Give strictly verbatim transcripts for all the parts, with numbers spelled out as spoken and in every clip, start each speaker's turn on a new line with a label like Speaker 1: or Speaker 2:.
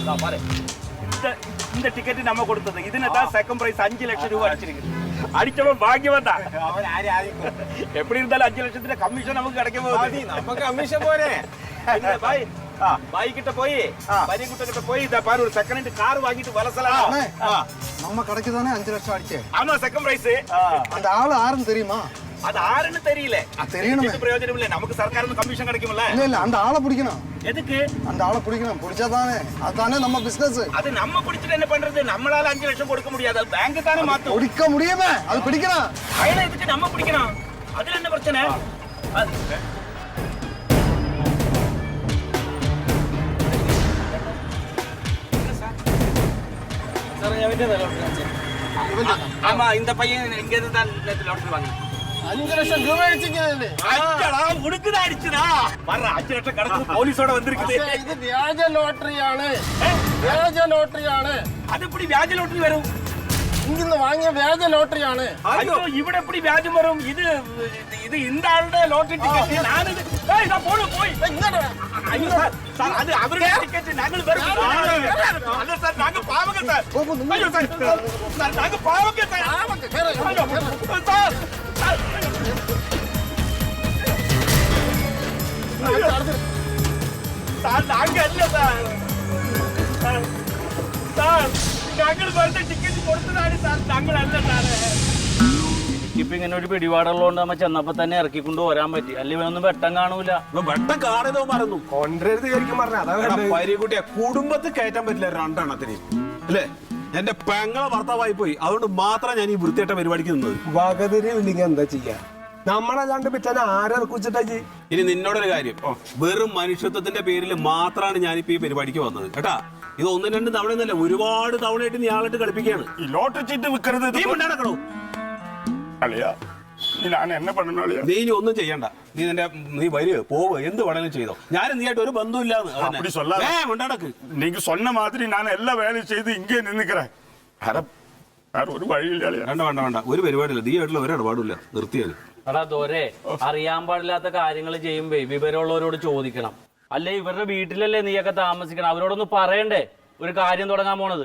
Speaker 1: இந்த டிக்கெட் நம்ம கொடுத்தது இதுதான் செகண்ட் பிரைஸ் அஞ்சு லட்சம் ரூபாய் அடிச்சிருக்கு. அடிச்சவன் பாக்கியவன் தான். எப்படி இருந்தாலும் அஞ்சு லட்சத்துல கமிஷன் நமக்கு கிடைக்க போகுது.
Speaker 2: நமக்கு கமிஷன் போறே
Speaker 1: பாய் பாய் கிட்ட போய் பரிகுட்ட கிட்ட போய் இத பாரு ஒரு செகண்ட் ஹேண்ட் கார் வாங்கிட்டு வலசலாம்.
Speaker 3: நம்ம கடைக்கு தானே அஞ்சு லட்சம் அடிச்சே.
Speaker 1: ஆமா செகண்ட் பிரைஸ்.
Speaker 3: அந்த ஆளு யாருன்னு தெரியுமா?
Speaker 1: அது ஆறுன்னு தெரியல.
Speaker 3: தெரியணுமே.
Speaker 1: பிரயோஜனம் இல்ல, நமக்கு சர்க்கார் கமிஷன் கிடைக்கும்ல.
Speaker 3: இல்ல இல்ல அந்த ஆளை பிடிக்கணும்.
Speaker 1: எதுக்கு
Speaker 3: அந்த ஆளை பிடிக்கணும்? பிடிச்சாதானே அதுதானே நம்ம பிசினஸ்.
Speaker 1: அது நம்ம பிடிச்சிட்டு என்ன பண்றது? நம்மளால அஞ்சு லட்சம் கொடுக்க முடியாது, பேங்க் தானே மாத்தும்.
Speaker 3: பிடிக்க முடியுமே, அது பிடிக்கணும்.
Speaker 1: பயணம் எதுக்கு நம்ம பிடிக்கணும்? அதுல என்ன பிரச்சனை? ஆமா இந்த பையன் இங்க இருந்து தான் லாட்டரி வாங்க.
Speaker 2: அஞ்சு லட்சம் ரூபாய் அடிச்சிருக்கேன்.
Speaker 1: அஞ்சடா உனக்குதான் அடிச்சுடா. வர்ற அஞ்சு லட்சம் கடந்து போலீஸோட வந்திருக்குது.
Speaker 2: இது வியாஜ ലോട്ടറിയാണ്. വ്യാജ ലോട്ടറിയാണ്.
Speaker 1: அது எப்படி வியாஜ ലോട്ടറി வரும்?
Speaker 2: ഇങ്ങിന്ന് വാങ്ങിയ വ്യാജ ലോട്ടറിയാണ്.
Speaker 1: ஐயோ ഇവിടെ எப்படி வியாஜம் வரும்? இது இது இந்த ஆளுடைய லாட்டரி டிக்கெட். நான் இது ஏய் நான் போடு போய்
Speaker 2: ഇങ്ങോട്ട്
Speaker 1: ஐயோ சார் சார் அது அவருடைய டிக்கெட். நாங்கள் வரும். அல்ல சார் நாங்க பாவங்க சார். ஐயோ சார் சார் நாங்க பாவங்க சார்.
Speaker 2: ആവട്ടെ കേറ്.
Speaker 1: சார் சார் சார் நாங்க இல்ல சார். சார் ഞങ്ങൾ വെറുതെ ടിക്കറ്റ് കൊടുത്തതാണ് സാർ, ഞങ്ങളല്ല സാറേ.
Speaker 4: ഇപ്പൊ ഇങ്ങനെ ഒരു പിടിപാടുള്ളതുകൊണ്ട് നമ്മ ചെന്നപ്പോ തന്നെ ഇറക്കിക്കൊണ്ട് വരാൻ പറ്റി. അല്ലെങ്കിൽ ഒന്നും വെട്ടം കാണൂല.
Speaker 5: വെട്ടം കാണുന്നോ മറന്നു
Speaker 2: കൊണ്ടരുത് ശരിക്കും പറഞ്ഞ
Speaker 5: പരികുട്ടിയെ കുടുംബത്തിൽ കയറ്റാൻ പറ്റില്ല രണ്ടെണ്ണത്തിന് അല്ലേ? എന്റെ പെങ്ങളെ ഭർത്താവായി പോയി, അതുകൊണ്ട് മാത്രം ഞാൻ ഈ വൃത്തിയായിട്ട പരിപാടിക്ക് നിന്നത്.
Speaker 2: വകതിരി ഇല്ലെങ്കിൽ എന്താ ചെയ്യാ? നമ്മളല്ലാണ്ട് പിറ്റേ ആരെക്കുറിച്ചിട്ടാ ജി?
Speaker 5: ഇനി നിന്നോടൊരു കാര്യം, വെറും മനുഷ്യത്വത്തിന്റെ പേരിൽ മാത്രമാണ് ഞാനിപ്പോ ഈ പരിപാടിക്ക് വന്നത് കേട്ടാ. ഇത് ഒന്നും രണ്ടും തവണ ഒന്നല്ല, ഒരുപാട് തവണയായിട്ട് നീ ആളായിട്ട് കളിപ്പിക്കുകയാണ്.
Speaker 1: ഈ ലോട്ടറി ചീട്ട് വിൽക്കരുത്.
Speaker 5: നീ കൊണ്ടാടക്കണോ
Speaker 1: അളിയാ? ഞാൻ എന്നെ പണ്ടോ അളിയാ?
Speaker 5: നീ ഇനി ഒന്നും ചെയ്യണ്ട. നീ നിന്റെ നീ വരിക പോവുക എന്ത് വേണേലും ചെയ്തോ. ഞാൻ നീയായിട്ട് ഒരു ബന്ധമില്ലാന്ന് കൊണ്ടാടക്ക്.
Speaker 1: நீங்க சொன்ன மாதிரி நான் எல்லா வேலையும் செய்து இங்கே நின்னுக்கிறேன். வேற ஒரு வழியிല്ല.
Speaker 5: വേണ്ട വേണ്ട വേണ്ട ഒരു പരിപാടിയില്ല. നീ ആയിട്ടുള്ള ഒരു ഇടപാടില്ല, നിർത്തിയത്.
Speaker 4: എടാ ദോരെ, അറിയാൻ പാടില്ലാത്ത കാര്യങ്ങൾ ചെയ്യുമ്പോ വിവരമുള്ളവരോട് ചോദിക്കണം. അല്ലെ ഇവരുടെ വീട്ടിലല്ലേ നീയൊക്കെ താമസിക്കണം, അവരോടൊന്ന് പറയണ്ടേ ഒരു കാര്യം തുടങ്ങാൻ പോണത്?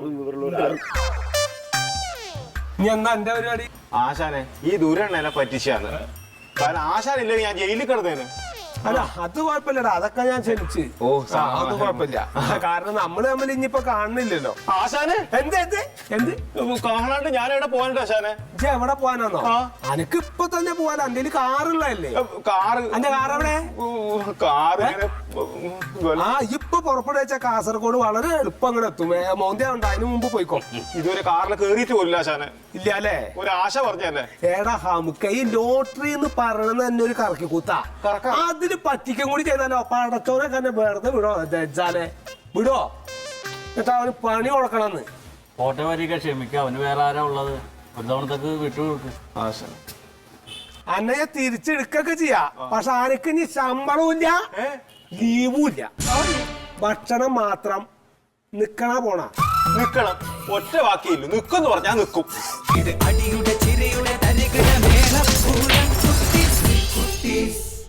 Speaker 2: നീ എന്താ എന്റെ പരിപാടി?
Speaker 6: ആശാനെ ഈ ദൂരെണ്ണ പറ്റിച്ചാണ്. കാരണം ആശാനില്ലെങ്കിൽ ഞാൻ ജയിലിൽ കിടന്നേനെ.
Speaker 2: അല്ല അത് കുഴപ്പമില്ലടാ, അതൊക്കെ ഞാൻ ക്ഷണിച്ച്.
Speaker 6: ഓ
Speaker 2: അത് കുഴപ്പമില്ല. കാരണം നമ്മള് തമ്മിൽ ഇനിയിപ്പോ കാണുന്നില്ലല്ലോ.
Speaker 6: ആശാനെ
Speaker 2: എന്ത് എന്ത് എന്ത്
Speaker 6: കാണാണ്ട് ഞാൻ എവിടെ പോകാനുണ്ട് ആശാനെ?
Speaker 2: ഇജ്ജ് എവിടെ പോകാനാന്നോ? അനക്ക് ഇപ്പൊ തന്നെ പോവാൻ എന്റെ കാറുള്ളതല്ലേ?
Speaker 6: കാറ്
Speaker 2: എന്റെ കാർ എവിടെ?
Speaker 6: കാറ്
Speaker 2: ആ ഇപ്പൊ പുറപ്പെടു വെച്ച കാസർഗോഡ് വളരെ എളുപ്പം അങ്ങോട്ട് എത്തും. മോന്തിയുണ്ട്, അതിന് മുമ്പ് പോയിക്കോ.
Speaker 6: ഇതുവരെ കാറിൽ കേറിയിട്ട് പോലില്ല ആശാനെ.
Speaker 2: ഇല്ല അല്ലേ?
Speaker 6: ഒരു ആശ പറഞ്ഞല്ലേ?
Speaker 2: ഏടാ ഹമുക്ക, ഈ ലോട്ടറി എന്ന് പറയണത് തന്നെ ഒരു കറക്കി കൂത്താ. അതിന് പറ്റിക്കും കൂടി ചെയ്താലോ പടച്ചോനെ തന്നെ വെറുതെ വിടോ? ദജ്ജാലെ വിടോ? എന്നിട്ട് അവന് പണി കൊടുക്കണമെന്ന്.
Speaker 4: കോട്ടയം വരിക ക്ഷമിക്ക, അവന് വേറെ ആരാ ഉള്ളത്? ഒരു തവണത്തേക്ക് വിട്ടു കൊടുക്കും.
Speaker 2: അന്നയെ തിരിച്ചെടുക്കൊക്കെ ചെയ്യാ, പക്ഷെ ആനക്ക് ഇനി ശമ്പളവും ഇല്ല ലീവും ഇല്ല. ഭക്ഷണം മാത്രം. നിക്കണ പോണ
Speaker 6: നിക്കണം. ഒറ്റ വാക്കിയില്ല, നിക്കെന്ന് പറഞ്ഞാ നിക്കും.
Speaker 7: ഇത് അടിയുടെ ചിരയുടെ തരികിട മേളപ്പൂരം കുട്ടീസ് കുട്ടീസ്